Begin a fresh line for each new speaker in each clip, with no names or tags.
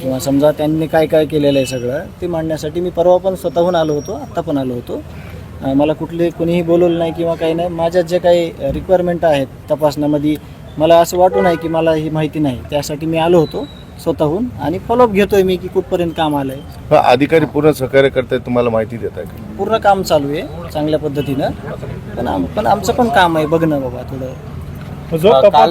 किंवा समजा त्यांनी काय काय केलेलं आहे सगळं ते मांडण्यासाठी मी परवा पण स्वतःहून आलो होतो, आत्ता पण आलो होतो. मला कोणीही बोलवलं नाही किंवा काही नाही. माझ्या जे काही रिक्वायरमेंट आहेत तपासण्यामध्ये मला असं वाटू नाही की मला ही माहिती नाही, त्यासाठी मी आलो होतो स्वतःहून आणि फॉलोअप घेतोय मी की कुठपर्यंत काम आलं आहे.
अधिकारी पूर्ण सहकार्य करताय, तुम्हाला माहिती देत आहे?
पूर्ण काम चालू आहे चांगल्या पद्धतीनं, पण आमचं पण काम आहे बघणं बाबा थोडं.
काल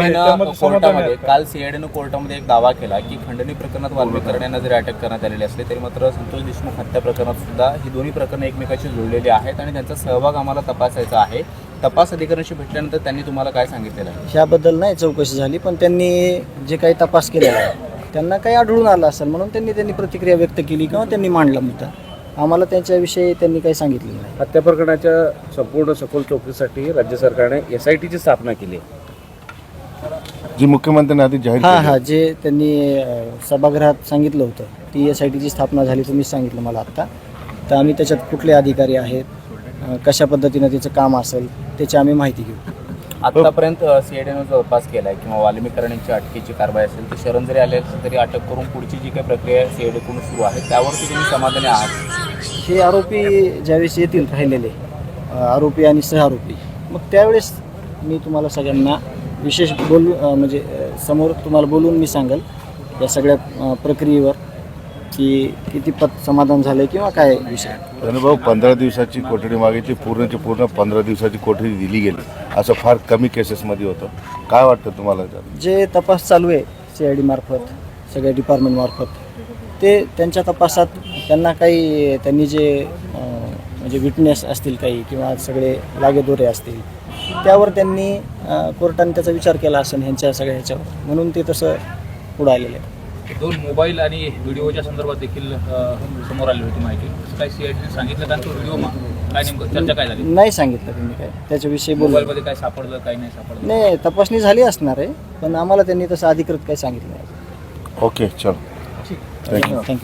सीआयडीनं कोर्टामध्ये एक दावा केला की खंडणी प्रकरणात वाल्मिकर यांना जरी अटक करण्यात आलेली असली तरी मात्र संतोष देशमुख हत्या प्रकरणात सुद्धा ही दोन्ही प्रकरणं एकमेकाशी जुळलेली आहेत आणि त्यांचा सहभाग आम्हाला तपासायचा आहे. तपास अधिकाऱ्यांशी भेटल्यानंतर त्यांनी तुम्हाला काय सांगितलेलं आहे?
ह्याबद्दल नाही चौकशी झाली, पण त्यांनी जे काही तपास केलेला आहे त्यांना काही आढळून आलं असेल म्हणून त्यांनी प्रतिक्रिया व्यक्त केली किंवा त्यांनी मांडला मुद्दा. आम्हाला त्यांच्याविषयी त्यांनी काही सांगितलेलं नाही.
हत्या प्रकरणाच्या संपूर्ण सखोल चौकशीसाठी राज्य सरकारने SITची स्थापना केली आहे,
जी मुख्यमंत्र्यांनी आधी जाहीर
हां जे त्यांनी सभागृहात सांगितलं होतं ती SITची स्थापना झाली, तुम्हीच सांगितलं मला आत्ता. तर आम्ही त्याच्यात कुठले अधिकारी आहेत, कशा पद्धतीनं त्याचं काम असेल त्याची आम्ही माहिती घेऊ.
आतापर्यंत सीआयडीनं जो तपास केला आहे किंवा वाल्मिकर यांची अटकेची कारवाई असेल तर शरण जरी आले असेल तरी अटक करून पुढची जी काही प्रक्रिया आहे सीआयडीकडून सुरू आहे त्यावरती तुम्ही समाधानी आहात?
हे आरोपी ज्यावेळेस येतील राहिलेले आरोपी आणि सहआरोपी, मग त्यावेळेस मी तुम्हाला सगळ्यांना विशेष म्हणजे समोर तुम्हाला बोलून मी सांगेल या सगळ्या प्रक्रियेवर की किती समाधान झालं किंवा काय विषय.
धनुभाऊ 15 दिवसाची कोठडी मागितली, पूर्णची पूर्ण 15 दिवसाची कोठडी दिली गेली, असं फार कमी केसेसमध्ये होतं. काय वाटतं तुम्हाला?
जे तपास चालू आहे CID मार्फत सगळ्या डिपार्टमेंटमार्फत ते त्यांच्या तपासात त्यांनी जे म्हणजे विटनेस असतील काही किंवा सगळे लागेदोरे असतील त्यावर त्यांनी कोर्टाने त्याचा विचार केला असेल ह्यांच्या सगळ्या ह्याच्यावर, म्हणून ते तसं पुढं आलेलं आहे.
2 मोबाईल आणि व्हिडिओच्या संदर्भात देखील समोर आली होती माहिती. काय सीआयडीने सांगितलं का तो व्हिडिओ काय नेमकं चर्चा काय झाली?
नाही सांगितलं त्यांनी काय त्याच्याविषयी
मोबाईलमध्ये काय सापडलं काय नाही सापडलं?
नाही, तपासणी झाली असणार आहे पण आम्हाला त्यांनी तसं अधिकृत काही सांगितलं नाही.
ओके, चलो, थँक्यू.